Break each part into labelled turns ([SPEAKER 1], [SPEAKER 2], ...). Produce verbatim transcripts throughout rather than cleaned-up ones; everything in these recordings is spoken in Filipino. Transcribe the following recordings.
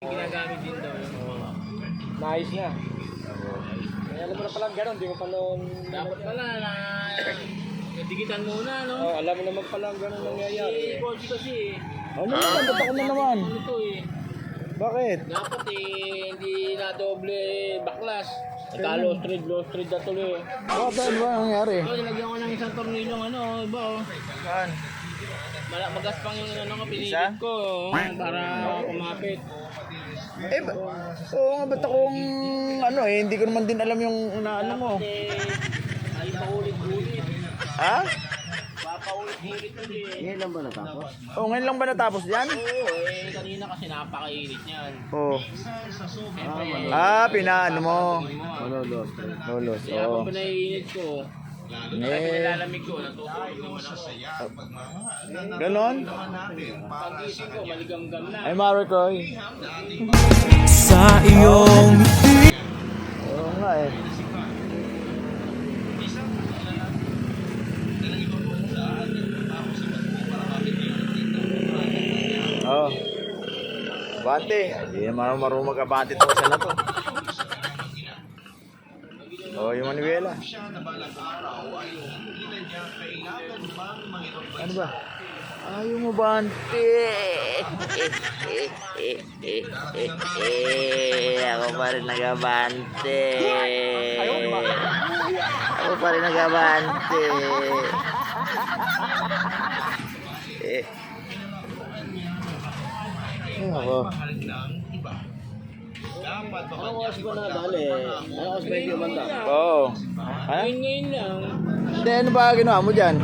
[SPEAKER 1] Ginagamit din daw yung mga.
[SPEAKER 2] Nice na. Kaya alam mo na pala gano'n, di mo pa noon...
[SPEAKER 1] Dapat pala na digitan muna, no?
[SPEAKER 2] Oh, alam mo naman pala gano'n nangyayari.
[SPEAKER 1] Si Coach kasi eh.
[SPEAKER 2] Ano naman, ba't ako na naman?
[SPEAKER 1] Ano to eh.
[SPEAKER 2] Bakit?
[SPEAKER 1] Dapat eh, hindi na doble baklas. Nagka-low street, low street na tuloy.
[SPEAKER 2] Bakit ano ba nangyari?
[SPEAKER 1] So, nilagyan ko ng isang tornilong ano, iba oh.
[SPEAKER 2] Saan?
[SPEAKER 1] Mala magaspang yung ano ko,
[SPEAKER 2] Isa?
[SPEAKER 1] pinilit ko oh, para kumapit.
[SPEAKER 2] Eh, ba? Oo nga, ba't akong ano eh, hindi ko naman din alam yung unaano mo.
[SPEAKER 1] Eh, ay paulit-ulit.
[SPEAKER 2] Ha?
[SPEAKER 1] Papaulit-ulit ulit.
[SPEAKER 2] Ngayon lang ba natapos? Oo, ngayon lang ba natapos yan?
[SPEAKER 1] Oo, eh, kanina kasi napakainit niyan.
[SPEAKER 2] Oo.
[SPEAKER 1] Siyempre,
[SPEAKER 2] Ah, pinaano mo.
[SPEAKER 1] Lolos.
[SPEAKER 2] Lolos,
[SPEAKER 1] Kaya
[SPEAKER 2] oo.
[SPEAKER 1] kung pinaiinit ko, kaya
[SPEAKER 2] Eh,
[SPEAKER 1] pinalalamig ko, natutulog naman ako.
[SPEAKER 2] ganon?
[SPEAKER 1] Pag-isip ko, maligam-gam na.
[SPEAKER 2] Ay, Maricoy.
[SPEAKER 3] Sa iyong
[SPEAKER 2] Oo nga eh. Oh. Bante. Hindi naman marunong mag-abante to kasi na to. Oh, yung Manuela. Ano ba? Ayaw mo bante. Ako pa rin nagabante. Ako pa rin nagabante. Eh. Ako.
[SPEAKER 1] Anong oras ba na dali? Anong oras ba yung banda?
[SPEAKER 2] Oo. Ha?
[SPEAKER 1] Ngayon ngayon lang.
[SPEAKER 2] Hindi, ano ba ginawa mo dyan?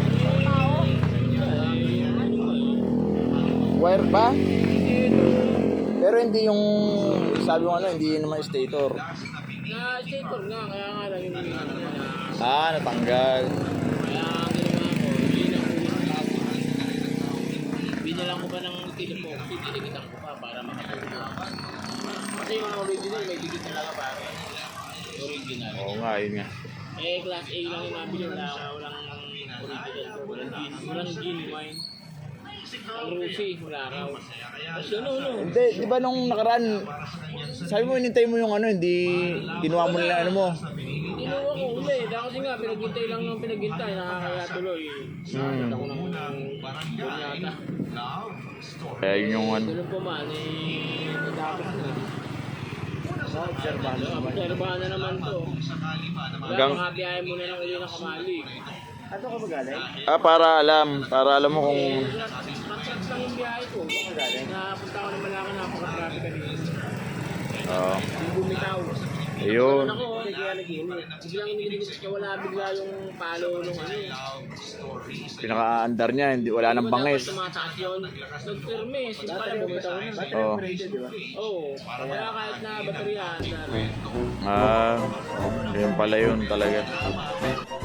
[SPEAKER 2] Wire pa? Pero hindi yung, sabi mo ano, hindi naman stator.
[SPEAKER 1] Na-stator nga, kaya nga lang yung ano na.
[SPEAKER 2] Ah, natanggal.
[SPEAKER 1] Kaya ang ginawa ko, bilang ulit binalang ko pa ng telephone, titiligitan ko pa para makatulog. Kasi yung original, may digit talaga para. Original.
[SPEAKER 2] Oo nga, yun nga.
[SPEAKER 1] Eh, class A lang yung nabili, wala walang original. Walang gin, walang genuine. Ang Rusi, wala raw. Tapos yun, no, no.
[SPEAKER 2] Hindi, di ba nung nakaraan, sabi mo, inintay mo yung ano, hindi, kinuha mo nila ano mo.
[SPEAKER 1] Kinuha ko uli, dahil kasi nga, pinaghintay lang ng pinaghintay, nakakaya tuloy.
[SPEAKER 2] Hmm.
[SPEAKER 1] Ako ng bunyata.
[SPEAKER 2] Kaya yun yung ano.
[SPEAKER 1] Ganun po man, eh, natapos na.
[SPEAKER 2] Obserbahan
[SPEAKER 1] Obserbahan na naman to. Wala,
[SPEAKER 2] Hanggang-
[SPEAKER 1] makabiyahe mo na lang uli ng kamali.
[SPEAKER 2] Ato ka ba galing? Ah, para alam, para alam mo kung...
[SPEAKER 1] Eh, matras lang yung biyahe ko. Napunta ko naman ako, napaka-traffic kanina.
[SPEAKER 2] Oo.
[SPEAKER 1] Yung bumitaw.
[SPEAKER 2] Ayun.
[SPEAKER 1] Ako, kaya nag-init. Biglang iniligit kasi wala bigla yung palo nung ano.
[SPEAKER 2] Pinaka-andar niya, hindi, wala nang bangis.
[SPEAKER 1] Tumataas yun. Nag-firme. Sige pala bumitaw na.
[SPEAKER 2] Oo.
[SPEAKER 1] Oo. Kaya kahit na baterya, na
[SPEAKER 2] Ah, yun pala yun talaga.